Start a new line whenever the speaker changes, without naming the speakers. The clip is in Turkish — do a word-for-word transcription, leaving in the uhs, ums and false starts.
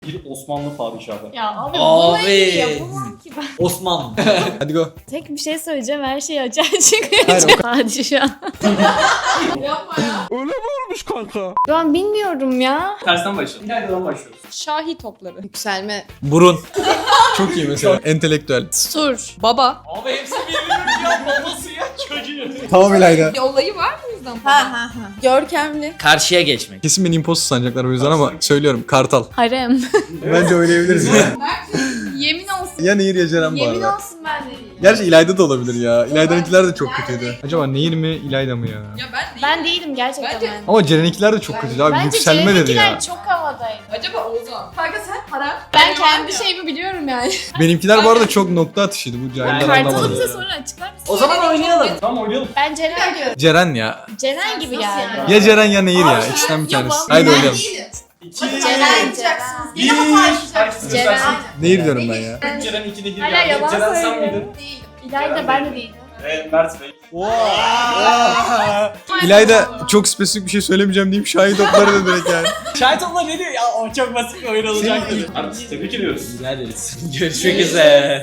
Bir Osmanlı padişahı.
Ya abi,
Abi.
bunu yapamam ki ben.
Osman.
Hadi go.
Tek bir şey söyleyeceğim, her şey açığa çıkıyor.
Hayır, o-
Padişah.
Yapma ya.
Şu an bilmiyorum ya.
Tersten başlayalım. İlayda'dan başlıyoruz.
Şahi topları. Yükselme.
Burun. Çok iyi mesela. Entelektüel.
Sur. Baba.
Abi hepsi birbirinin ya babası ya çocuğu.
Tamam İlayda.
Bir olayı var mı o yüzden?
Ha ha ha. Görkemli.
Karşıya geçmek.
Kesin beni imposter sanacaklar o yüzden ama söylüyorum. Kartal.
Harem.
Bence oynayabiliriz ya.
Yemin olsun.
Ya Nehir ya Ceren bu
Yemin
arada.
olsun ben de değilim.
Gerçi İlayda da olabilir ya. İlayda'nınkiler de çok kötüydü. Acaba Nehir mi İlayda mı ya?
Ya ben değilim.
Ben değilim gerçekten.
Bence-
ben.
Ama Ceren'inkiler de çok kötüydü abi.
Bence
Yükselme dedi
Ceren'inkiler
ya.
çok havadaydı.
Acaba Oğuzhan. Kanka sen para.
Ben kendi şeyimi biliyorum yani.
Benimkiler bu arada çok nokta atışıydı. Bu cahiller
Ben-
Kartalı
anlamadı.
bize sonra açıklar mısın?
O zaman oynayalım.
Tamam oynayalım.
Ben Ceren diyorum.
Ceren ya.
Ceren gibi geldi.
Ya Ceren ya Nehir ya. İkisinden bir tanesi. Haydi oynayalım.
İki.
Ceren, Ceren.
Bir.
Yine mi paylaşacaksınız?
Ceren.
Nehir diyorum ben ya.
Üç Ceren iki Nehir
Hala
geldi.
yalan
Ceren sen
söylüyor.
miydin?
İlayda ben de değilim.
Evet Mert Bey.
İlayda çok spesifik bir şey söylemeyeceğim deyip şahit topları da direkt yani.
Şahit olma ne diyor ya, o çok basit bir oyun olacak dedi. Artık tebrik ediyoruz.
Rica ederiz. Görüşmek üzere.